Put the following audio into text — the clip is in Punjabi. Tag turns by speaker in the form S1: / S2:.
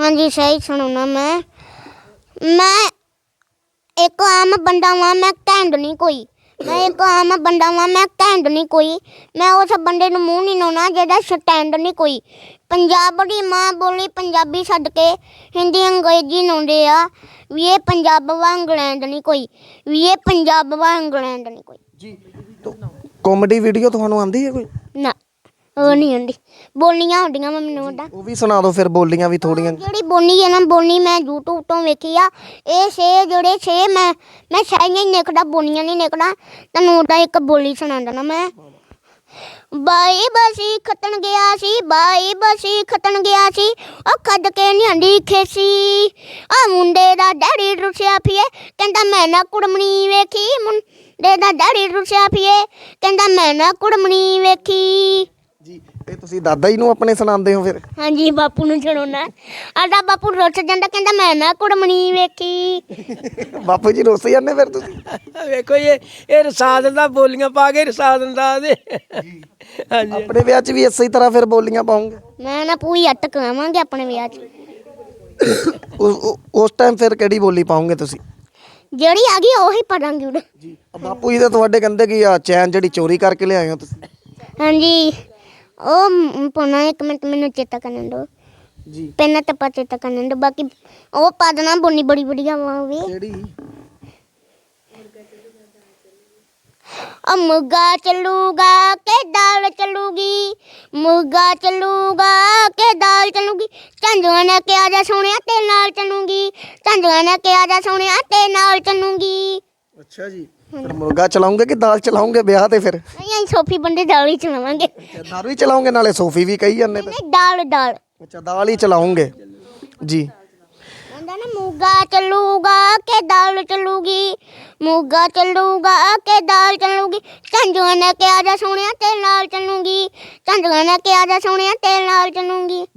S1: हाँ जी सही सुनो मैं एक आम बंदा वां, मैं घैंट नहीं कोई। मैं एक आम बंदा वां, मैं घैंट नहीं कोई। मैं उस बंदे नूं मूँह नहीं लाउणा जिहदा स्टैंड नहीं कोई। पंजाब दी माँ बोली पंजाबी छड्ड के हिंदी अंग्रेजी लाउंदे आ भी ये पंजाब वा इंग्लैंड नहीं कोई, भी ये पंजाब वा इंग्लैंड नहीं कोई
S2: जी। तो कॉमेडी वीडियो ਤੁਹਾਨੂੰ ਆਉਂਦੀ ਹੈ ਕੋਈ?
S1: ना ਉਹ ਨਹੀਂ ਆਉਂਦੀ। ਬੋਲੀਆਂ ਆਉਂਦੀਆਂ ਵਾ ਮੈਨੂੰ ਉਹਦਾ।
S2: ਉਹ ਵੀ ਸੁਣਾ ਦਿਓ ਫਿਰ, ਬੋਲੀਆਂ ਵੀ ਥੋੜੀਆਂ।
S1: ਜਿਹੜੀ ਬੋਲੀ ਹੈ ਨਾ, ਬੋਲੀ ਮੈਂ YouTube ਤੋਂ ਵੇਖੀ ਆ। ਇਹ ਛੇ ਜਿਹੜੇ ਛੇ ਮੈਂ ਸਾਰੀਆਂ ਹੀ ਨਿਕਦਾ, ਬੋਲੀਆਂ ਨਹੀਂ ਨਿਕਦਾ। ਤੁਹਾਨੂੰ ਉਹਦਾ ਇੱਕ ਬੋਲੀ ਸੁਣਾ ਦੇਣਾ ਮੈਂ। ਬਾਈ ਬਸੀ ਖੱਤਣ ਗਿਆ ਸੀ, ਬਾਈ ਬਸੀ ਖੱਤਣ ਗਿਆ ਸੀ, ਉਹ ਖੱਦ ਕੇ ਨਿਆਂਦੀ ਖੇਸੀ। ਆ ਮੁੰਡੇ ਦਾ ਡੈਡੀ ਰੁੱਸਿਆ ਪੀਏ, ਕਹਿੰਦਾ ਮੈਂ ਨਾ ਕੁੜਮਣੀ ਵੇਖੀ। ਮੁੰਡੇ ਦਾ ਡੈਡੀ ਰੁੱਸਿਆ ਪੀਏ, ਕਹਿੰਦਾ ਮੈਂ ਨਾ ਕੁੜਮਣੀ ਵੇਖੀ।
S2: ਜੀ। ਇਹ ਤੁਸੀਂ ਦਾਦਾ ਜੀ ਨੂੰ ਆਪਣੇ ਸੁਣਾਉਂਦੇ ਹੋ ਫਿਰ?
S1: ਹਾਂਜੀ ਬਾਪੂ ਨੂੰ ਸੁਣਾਉਣਾ। ਸਾਡਾ ਬਾਪੂ ਰੁੱਸ ਜਾਂਦਾ, ਕਹਿੰਦਾ ਮੈਂ ਨਾ ਕੁੜਮਣੀ ਵੇਖੀ।
S2: ਬਾਪੂ ਜੀ ਰੁੱਸ ਜਾਂਦੇ ਫਿਰ ਤੁਸੀਂ?
S3: ਵੇਖੋ ਇਹ ਰਸਾ ਦਿੰਦਾ, ਬੋਲੀਆਂ ਪਾ ਕੇ ਰਸਾ ਦਿੰਦਾ ਉਹਦੇ। ਹਾਂਜੀ
S2: ਆਪਣੇ ਵਿਆਹ 'ਚ ਵੀ ਇਸੇ ਤਰ੍ਹਾਂ ਫਿਰ ਬੋਲੀਆਂ ਪਾਉਂਗੇ?
S1: ਮੈਂ ਨਾ ਪੂਰੀ ਅੱਟ ਕਰਾਵਾਂਗੇ ਆਪਣੇ ਵਿਆਹ 'ਚ।
S2: ਉਸ ਟਾਈਮ ਫਿਰ ਕਿਹੜੀ ਬੋਲੀ ਪਾਉਂਗੇ ਤੁਸੀਂ?
S1: ਜਿਹੜੀ ਆ ਗਈ ਉਹੀ ਪੜਾਂਗੇ ਉਹਦੇ।
S2: ਜੀ। ਬਾਪੂ ਜੀ ਤਾਂ ਤੁਹਾਡੇ ਕਹਿੰਦੇ ਕਿ ਆ ਚੈਨ ਜਿਹੜੀ ਚੋਰੀ ਕਰਕੇ ਲਿਆਏ ਹੋ ਤੁਸੀਂ?
S1: ਹਾਂਜੀ ਉਹ ਪਾਉਣਾ, ਇੱਕ ਮਿੰਟ ਮੈਨੂੰ ਚੇਤਾ ਕਰਨ ਦਿਓ।
S2: ਜੀ।
S1: ਪਹਿਲਾਂ ਤਾਂ ਚੇਤਾ ਕਰਨ ਦਿਓ, ਬਾਕੀ ਉਹ ਪਾ ਦੇਣਾ। ਬੋਲੀ ਬੜੀ ਵਧੀਆ ਵਾ ਵੀ।
S2: ਕਿਹੜੀ?
S1: ਮੁਰਗਾ ਚੱਲੂਗਾ ਕਿ ਦਾਲ ਚੱਲੂਗੀ, ਮੁਰਗਾ ਚੱਲੂਗਾ ਕਿ ਦਾਲ ਚੱਲੂਗੀ। ਝਾਂਜੂਆਂ ਨੇ ਕਿਹਾ ਜਾ ਸੋਹਣਿਆ ਤੇ ਨਾਲ ਚੱਲੂਗੀ, ਝਾਂਜੂਆਂ ਨੇ ਕਿਹਾ ਜਾ ਸੋਹਣਿਆ ਤੇ ਨਾਲ ਚੱਲੂਗੀ।
S2: ਅੱਛਾ ਜੀ। ਫਿਰ ਮੁਰਗਾ ਚਲਾਉਂਗੇ ਕਿ ਦਾਲ ਚਲਾਉਂਗੇ ਵਿਆਹ ਤੇ ਫਿਰ?
S1: ਨਹੀਂ ਅਸੀਂ ਸੋਫੀ ਬੰਦੇ ਦਾਲ ਹੀ ਚਲਾਵਾਂਗੇ।
S2: ਦਾਰੂ ਹੀ ਚਲਾਉਂਗੇ, ਨਾਲੇ ਸੋਫੀ ਵੀ ਕਹੀ ਜਾਂਦੇ ਤਾਂ।
S1: ਨਹੀਂ ਦਾਲ ਦਾਲ।
S2: ਅੱਛਾ, ਦਾਲ ਹੀ ਚਲਾਉਂਗੇ। ਜੀ।
S1: ਕਹਿੰਦਾ ਨਾ ਮੁਰਗਾ ਚੱਲੂਗਾ ਕਿ ਦਾਲ ਚੱਲੂਗੀ, ਮੁਰਗਾ ਚੱਲੂਗਾ ਕਿ ਦਾਲ ਚੱਲੂਗੀ। ਝਾਂਜੂਆਂ ਨੇ ਕਿਹਾ ਜਾ ਸੋਹਣਿਆ ਤੇ ਨਾਲ ਚੱਲੂਗੀ, ਝਾਂਜੂਆਂ ਨੇ ਕਿਹਾ ਜਾ ਸੋਹਣਿਆ ਤੇ ਨਾਲ ਚੱਲੂਗੀ।